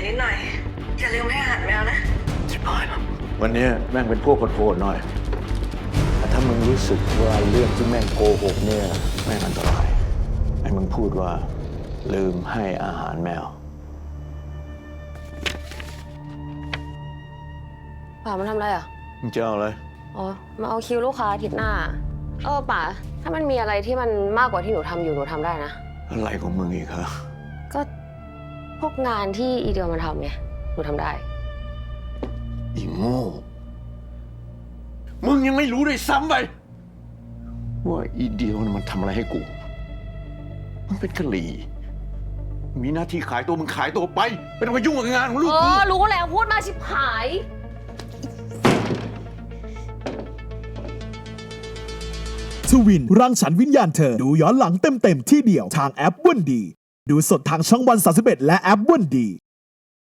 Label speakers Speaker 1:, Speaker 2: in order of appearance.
Speaker 1: นิดหน่อยอย่าลืมให้อาหารแมวนะ
Speaker 2: ชิบหายแล้ววันนี้แม่งเป็นพวกโหดๆหน่อยแต่ถ้ามึงรู้สึกว่าเรื่องที่แม่งโกหกเนี่ยแม่งอันตรายไอ้มึงพูดว่าลืมให้อาหารแมว
Speaker 3: ป๋ามันทำอะไรอ่ะ
Speaker 2: มึงจะเอาอะไร
Speaker 3: อ๋อมาเอาคิวลูกค้าอาทิตย์หน้าป๋าถ้ามันมีอะไรที่มันมากกว่าที่หนูทำอยู่หนูทำได้นะ
Speaker 2: อะไรของมึงอีกฮะ
Speaker 3: ก็พวกงานที่อีเดียวมันทำไงหนูทำได้
Speaker 2: อีโง่มึงยังไม่รู้ด้วยซ้ำไปว่าอีเดียวมันทำอะไรให้กูมันเป็นกะหรี่มีหน้าที่ขายตัวมึงขายตัวไปไม่ต้องมายุ่งกับงานของลูกกู
Speaker 3: รู้แล้วพูดมาชิบหาย
Speaker 4: ทวินรังสรรค์วิญญาณเธอดูย้อนหลังเต็มๆที่เดียวทางแอปวันดีดูสดทางช่องวัน31และแอปวันดี